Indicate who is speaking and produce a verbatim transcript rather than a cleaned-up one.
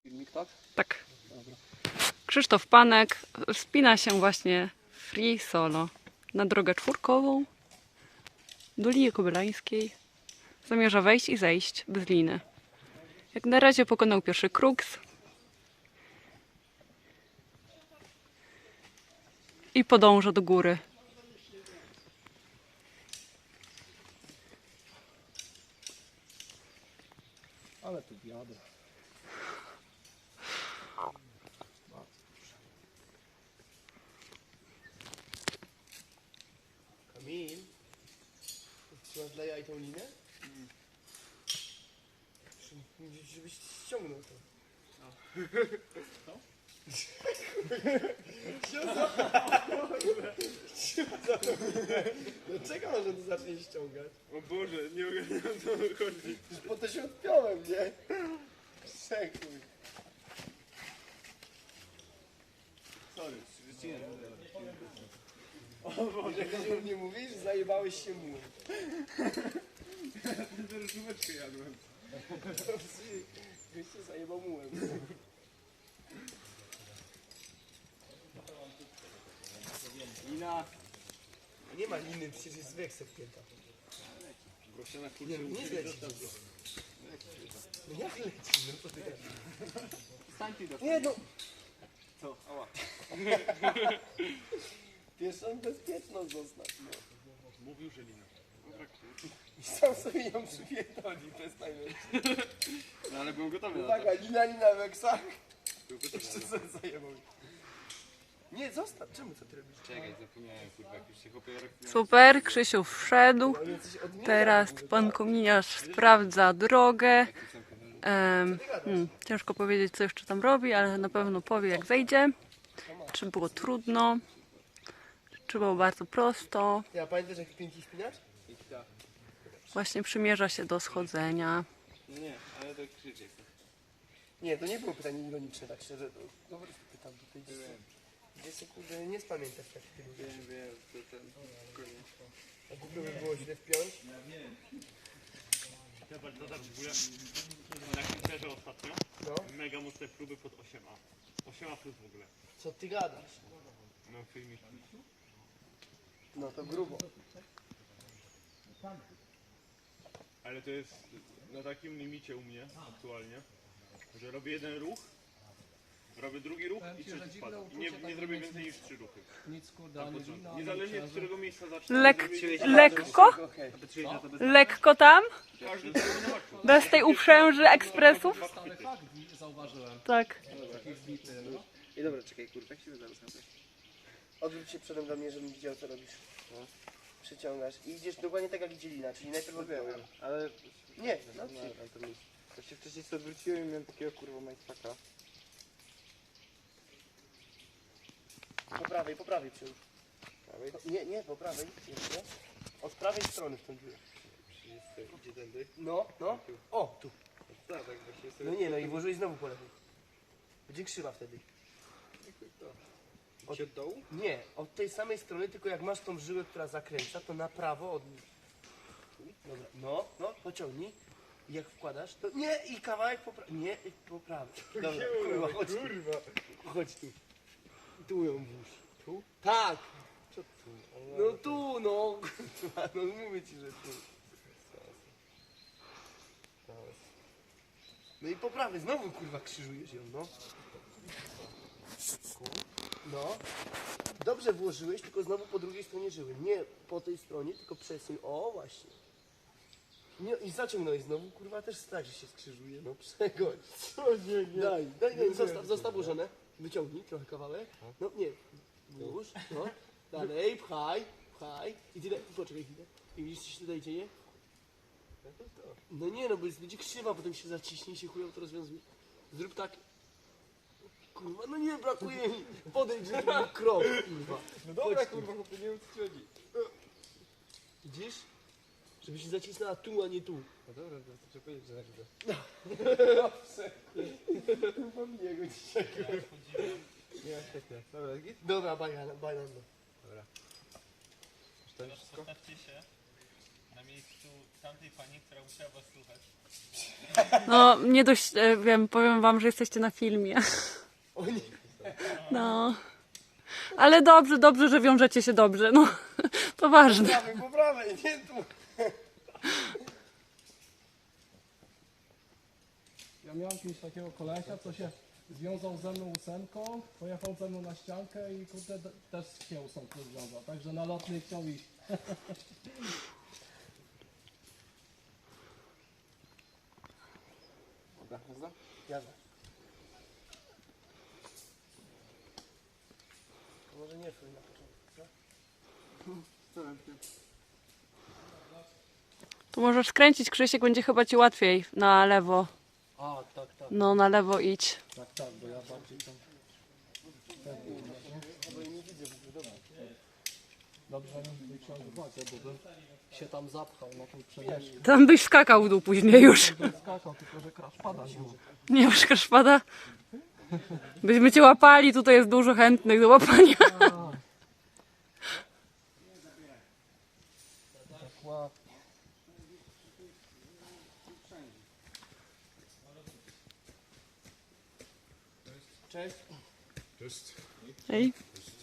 Speaker 1: Filmik, tak?
Speaker 2: Tak.
Speaker 1: Dobra.
Speaker 2: Krzysztof Panek wspina się właśnie free solo na drogę czwórkową do Lii Kobylańskiej. Zamierza wejść i zejść bez liny. Jak na razie pokonał pierwszy kruks i podąża do góry.
Speaker 1: Ale tu wiadro.
Speaker 3: Kamil, trzymasz dla jaj tą linę? Mm. Żebyś ściągnął to. Co? Dlaczego może to zacznie ściągać?
Speaker 4: O Boże, nie ogarniam o co chodzi.
Speaker 3: Już po to się odpiąłem, nie? Przekuj.
Speaker 4: Sorry, wycinę.
Speaker 3: O Boże, jak nie mówisz, zajebałeś się mu.
Speaker 4: Teraz żółeczkę jadłem.
Speaker 3: Byś się zajebał mułem.
Speaker 4: Lina.
Speaker 3: Nie ma liny, przecież jest weksel pięta.
Speaker 4: Proszę na
Speaker 3: Nie,
Speaker 4: kurczę.
Speaker 3: no nie zleci. No jak leci? No co ty gadasz?
Speaker 4: Stań ty do
Speaker 3: Nie no!
Speaker 4: Co? Ała.
Speaker 3: Pierwszą bezpieczną zostać, no.
Speaker 4: Mówił, że Lina.
Speaker 3: I sam sobie ją przypierdoli, przestań mieć.
Speaker 4: No ale byłem gotowy na to.
Speaker 3: Uwaga, lina, lina, weksach.
Speaker 4: Był gotowy
Speaker 3: Jeszcze
Speaker 4: na to.
Speaker 3: co zajebał. Nie, zostaw, czemu co ty robisz?
Speaker 4: Czekaj, zapomniałem kurwa, jak już się chłopie jak...
Speaker 2: Super, Krzysiu wszedł.
Speaker 3: On coś odmienia.
Speaker 2: Teraz pan kominiarz sprawdza drogę. Em, hmm, ciężko powiedzieć, co jeszcze tam robi, ale na pewno powie, jak zejdzie. Czy było trudno, czy było bardzo prosto.
Speaker 3: Ja pamiętasz jak pięknie spinacz?
Speaker 2: Właśnie przymierza się do schodzenia.
Speaker 4: No nie, ale to krzyczy.
Speaker 3: Nie, to nie było pytanie ironiczne, tak szczerze. To, no po prostu pytam tutaj. Gdzie się kurde nie spamiętasz jak ty lubisz.
Speaker 4: Wiem, wiem, to ten... Koniec.
Speaker 3: A głupio by było źle wpiąć.
Speaker 5: Zobacz, to tak w ogóle na Twitterze ostatnio
Speaker 3: No,
Speaker 5: mega mocne próby pod osiem A. osiem A plus w ogóle.
Speaker 3: co ty gadasz?
Speaker 4: Mam filmik.
Speaker 3: No to grubo.
Speaker 5: Ale to jest na takim limicie u mnie aktualnie, że robię jeden ruch, robię drugi ruch i trzeci spada. I nie, nie zrobię więcej niż trzy ruchy.
Speaker 1: Nic kurde,
Speaker 5: Na
Speaker 1: ani
Speaker 5: początku.
Speaker 1: wina, ani
Speaker 5: Niezależnie od
Speaker 1: imprezy.
Speaker 5: którego miejsca zacznę.
Speaker 2: Lek,
Speaker 5: zrobię-
Speaker 2: lekko,
Speaker 3: Okej.
Speaker 2: lekko tam,
Speaker 5: Każdy zrobi na maksimum.
Speaker 2: bez tej uprzęży ekspresów.
Speaker 1: Stary fakt wi- zauważyłem.
Speaker 2: Tak.
Speaker 1: Taki wbity, no.
Speaker 4: I dobra, czekaj kurwa, jak się zaraz nabrać.
Speaker 3: Odwróć się przodem do mnie, żebym widział co robisz. Przyciągasz i idziesz dokładnie tak jak idzie lina, czyli najpierw odbiorę.
Speaker 4: Ale...
Speaker 3: Nie,
Speaker 4: No
Speaker 3: no
Speaker 4: nie,
Speaker 3: nie.
Speaker 4: tam to mi... To się wcześniej sobie odwróciłem i miałem takiego kurwa majstaka.
Speaker 3: Po prawej, po prawej przyłóż.
Speaker 4: Prawej?
Speaker 3: Nie, nie, po prawej. Jeszcze. Od prawej strony w tą dziurę.
Speaker 4: Przyjdzie, idzie tędy.
Speaker 3: No, no. O, tu.
Speaker 4: Tak, tak właśnie sobie...
Speaker 3: No nie, no i włożyłeś znowu po lewej. Będzie krzywa wtedy.
Speaker 4: Od... Od dołu?
Speaker 3: Nie, od tej samej strony, tylko jak masz tą żyłę, która zakręca, to na prawo od... Dobra, no, no, pociągnij. I jak wkładasz, to nie, i kawałek po prawej. Nie, i po prawej. Dobra, kurwa, chodź tu. Chodź tu. Tu ją włóż. Tu? Tak. Co tu? No tu, no. Kurwa, no mówię ci, że tu. No i po prawej, znowu kurwa krzyżujesz ją, no. No. Dobrze włożyłeś, tylko znowu po drugiej stronie żyły. Nie po tej stronie, tylko przesuń. O, właśnie. Nie, i zaciągnąłeś znowu, kurwa, też tak, że się skrzyżuje. No przegodź. Co nie, nie. Daj, daj, daj, zostaw, zostaw ułożone. Wyciągnij trochę kawałek. No nie, włóż, no. Dalej, pchaj, pchaj. I tyle, poczekaj chwilę. I widzisz, co się tutaj dzieje? No nie, no bo jest, będzie krzywa, potem się zaciśnie i się chujowo to rozwiązuje. Zrób tak. Kurwa, no nie, brakuje mi. Podejdź, że to był krok, kurwa.
Speaker 4: No dobra
Speaker 3: Chodź tu.
Speaker 4: kurwa, chłopie, nie wiem co ci chodzi.
Speaker 3: Widzisz? Żeby się zacisnęła tu, a nie tu.
Speaker 4: No dobra, to trzeba powiedzieć, że nagle.
Speaker 3: Chyba mnie go dzisiaj.
Speaker 4: Nie, świetnie. Dobra, git?
Speaker 3: Dobra, bajan, bajan.
Speaker 4: Już to już wszystko?
Speaker 5: Postawcie się na na miejscu tamtej pani, która musiała was słuchać.
Speaker 2: No, nie dość, e, wiem, powiem wam, że jesteście na filmie.
Speaker 3: O nie.
Speaker 2: No. Ale dobrze, dobrze, że wiążecie się dobrze, no. To ważne.
Speaker 3: Prawej, po prawej, nie tu.
Speaker 1: Ja miałem kiedyś takiego kolesia, co się związał ze mną ósemką, pojechał ze mną na ściankę i kurde d- też się ósemką związał. Także na lotny chciał iść.
Speaker 4: Dobra, jazda?
Speaker 3: Jazda. To może nie twój na początku, co?
Speaker 4: Co ręcznie?
Speaker 2: Tu możesz skręcić, Krzysiek, będzie chyba ci łatwiej na lewo.
Speaker 1: A, tak, tak,
Speaker 2: No, na lewo idź.
Speaker 1: tak, tak, bo ja bardziej tam...
Speaker 3: Bo ja nie widzę w ogóle, dobra.
Speaker 1: Dobrze mi wziąć uwagę, bo bym się tam zapchał na tą przejeżdżkę.
Speaker 2: Tam byś skakał w dół później już.
Speaker 1: Bym skakał, tylko że crash pada nie może.
Speaker 2: Nie masz kraszpada? Byśmy cię łapali, tutaj jest dużo chętnych do łapania.
Speaker 1: Tak ładnie.
Speaker 3: Cześć.
Speaker 2: Ej.